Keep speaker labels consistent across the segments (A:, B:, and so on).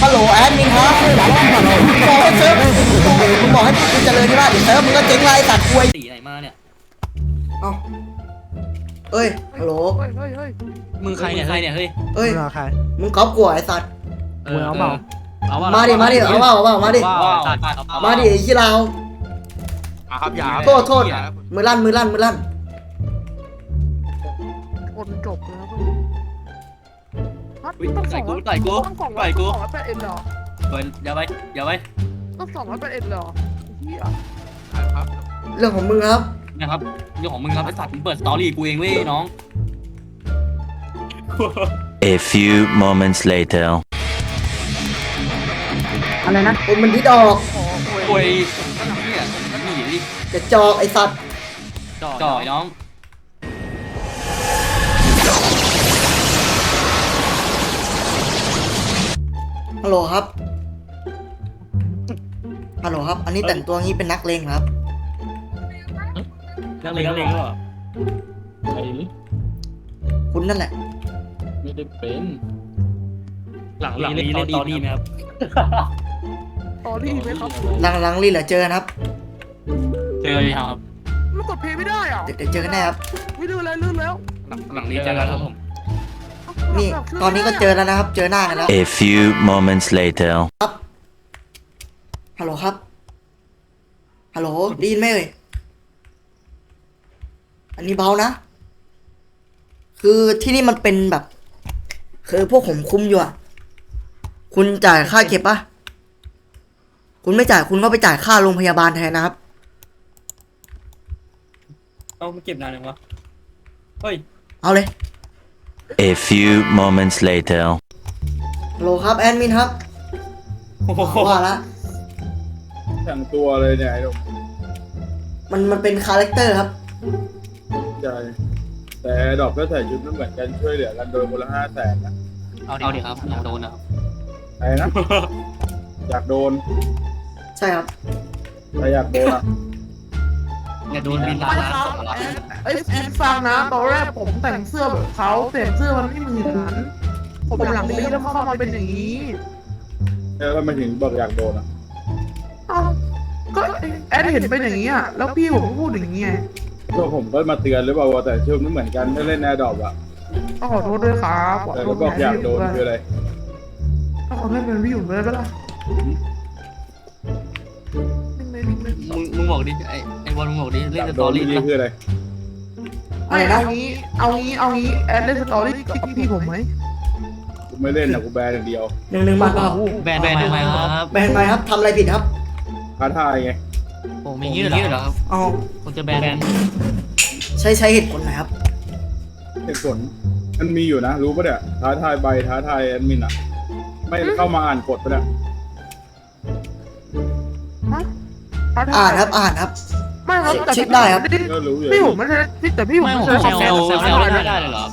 A: ฮัลโหลแอดมินครับบอกให้เซิร์ฟมึงบอกให้กูเจริญที่บ้านเดี๋ยวเซิร์ฟมึงก็เจ๊งไรตัดควย
B: สีไหนมาเนี่ย
A: เอ้าเอ้ยฮัลโหล
B: มึงใครเนี่ยเฮ้ย
A: เอ้ย
C: ใคร
A: มึงก๊อปกูไอ้สัตว์
C: มึงเอาเปล่า
A: มาดิมาดิเอาเปล่ามาดิมาดิไอ้ขี้เรา
D: ครับอย่า
A: โทษมือลั่น
E: คนจบแล้ว
B: ต่อยกู
E: 200 เอ็นเหรอ
B: อย่าไป
E: ต้อง200 เอ็นเหรอเฮีย
D: ครับ
A: เรื่องของมึงครับ
B: นะครับเรื่องของมึงครับไอ้สัตว์มึงเปิดสตอรี่กูเองเว้ยน้อง
F: A few moments later.
A: อะไรนะคนมันดิดออก
B: โวยเนี่ยนี่ดิ
A: จะจอกไอ้สัตว์
B: จ่อยน้อง
A: ฮัลโหลครับอันนี้แต่งตัวงี้เป็นนักเลงครับ
B: นักเลงก็
G: ไอ้
A: คุณนั่นแหละ
G: ไม่ได้เป็น
B: หลังนี้เล่นตอรี่ไหมครับ
E: ตอรี่ไหมครับ
A: หลังรีเหรอเจอกันครับ
B: เจอเลยครับ
E: มันกดเพย์ไม่ได้อ่ะ
A: เดี๋ยวเจอกันแน่ครับ
E: ไม่ลื่นแล้วลื่นแล้ว
B: หลังนี้เจอกันครับผม
A: นี่ตอนนี้ก็เจอแล้วนะครับ เจอหน้ากันแล้ว
F: A few moments later.
A: ฮัลโหลครับฮัลโหลได้ยินไหมเอ่ยอันนี้เบานะคือที่นี่มันเป็นแบบคือพวกผมคุมอยู่อะคุณจ่ายค่าเก็บปะคุณไม่จ่ายคุณก็ไปจ่ายค่าโรงพยาบาลแทนนะครับ
B: เอาเก็บนานยังวะเฮ้ย
A: เอาเลย
F: A few moments later.
A: ฮัลโหลครับแอดมินครับว่าละ
D: แต่งตัวเลยเนี่ยไอ้ดอก
A: มันเป็นคาแรคเตอร์ครับ
D: ใจแต่ดอกก็ใส่ชุดไม่เหมือนกันช่วยเหลือกันโดยคนละ500,000นะ
B: เอาดิครับอยากโดนนะครับ
D: ไอ้นะ อยากโดน
A: ใช่ครับ
D: ใครอยากโดนอ่ะ
B: อย่าโดนบิน
E: ไม่ครับไอ้ฟังนะตอนแรกผมแต่งเสื้อแบบเขาแต่เสื้อมันไม่เหมือนผมหลังนี้แล้วเข้ามาเป็นอย่างนี้
D: แล้วทำไมถึงบอกอยากโดนอ่ะ
E: เอ้าก็แอดเห็นเป็นอย่างนี้อ่ะแล้วพี่ผมก็พูดอย่างนี้ไง
D: ก็ผมก็มาเตือนหรือเปล่าว่าแต่ชุดไม่เหมือนกันถ้าเล่นแอร์ดรอปอ่ะ
E: ก็ขอโทษด้วยครับขอ
D: แต่
E: โท
D: ก็
E: ษ
D: บอกอยากโดนคืออะไร
E: ก็ขอโทษเป็นพี่อยู่เลยปะล่ะ
B: มึงบอกดิไอ้บอลมึงบอกดิ
D: อ
B: เล่น
D: ยาก
B: ส
D: โด
B: ตอน รี่
D: นี่คืออะไร
A: อะไร
E: ไม่
A: นะ
E: เอางี้แอดเล่นสตอรี่กับพี่ผมไหม
D: กูไม่เล่นนะกูแบนอย่างเดียว
A: 1 บาทเปล่า
B: แบนทำไมครับ
A: แบนไปครับทำอะไรผิดครับ
D: ท้าทายไง
B: โอ้มียืดเหรอครับ
A: เอา
B: ผมจะแบน
A: ใช้เหตุผลหน่อยครับ
D: เหตุผลมันมีอยู่นะ รู้ปะเนี่ยท้าทายใบท้าทายแอดมินอ่ะ ไม่เข้ามาอ่านกฎปะเนี่ย
A: อ่านครับ
E: ไม่ครับแต่
A: เช็คได้ครับ
D: ก็รู้อยู่
E: พี่ผมไม่ใช่แต่พี่ผม
B: ไม่
E: ไม่
B: ผม
E: ใช่
B: เซลไม่ได้เลยเหรอ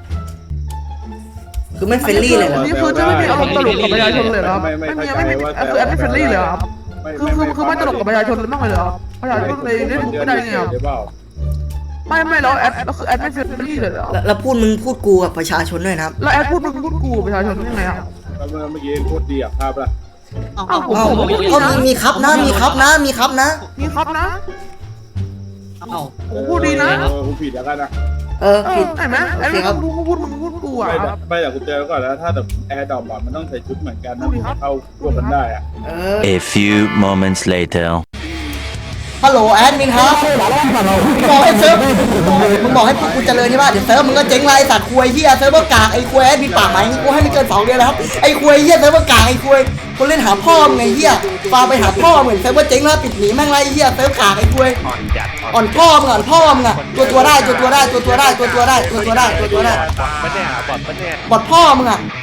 A: คือไม่เฟรนลี่เลยเหรอ
E: นี่คือจะไม่มีอารมณ์ตลกกับประชาชนเลยเหรอครับไม่มีคือแอดไม่เฟรนลี่เลยครับคือไม่ตลกกับประชาชนเลยบ้างเลยเหรอประชาชนเลยเล่นไม่ได้ไงครับ
D: ได้เปล่า
E: ไม่แล้วแอดคือแอดไม่เฟรนลี่เลยเหรอ
A: แล้วมึงพูดกูกับประชาชนด้วยนะครับ
E: แล้วแอดพูดกูประชาชนยังไงครับ
D: แล้วเมื่อกี้พูดดีอ่ะภาพละ
E: อ้าวผม
A: เอา
E: ไม่ดี
A: ก็
E: นะ
A: มีครับนะ
E: มีครับนะ
B: เอ้า
E: ผมพูดดีนะ
D: กูผิดแล้วกันนะ
A: ผิด
E: เห็นไหมแอดไม่พูดกูอ่ะ
D: ไม่แต่กูเจอก่อนแล้วถ้าแต่แอร์ดรอปมันต้องใส่ชุดเหมือนกันนะมันเข้าร่วมกันได้อ่ะ
F: A few moments later.
A: ฮัลโหลแอดมินครับบอกให้เซิร์ฟมึงบอกให้กูเจริญที่บ้านเดี๋ยวเซิร์ฟมึงก็เจ๊งไรสัตว์ควยเฮียเซิร์ฟเวอร์กากไอ้ควยแอดมินปากไหมกูให้ไม่เกิน2 เดือนแล้วครับไอ้ควยเฮียเซิร์ฟเวอร์กากไอ้ควยคนเล่นหาพ่อมึงไงเฮียฟาไปหาพ่อเหมือนเซิร์ฟเวอร์เจ๊งแล้วปิดหนีแม่งไรเฮียเซิร์ฟกากไอ้ควยอ่อนพ่อมึงตัวได้บอดพ่อมึงอ่ะ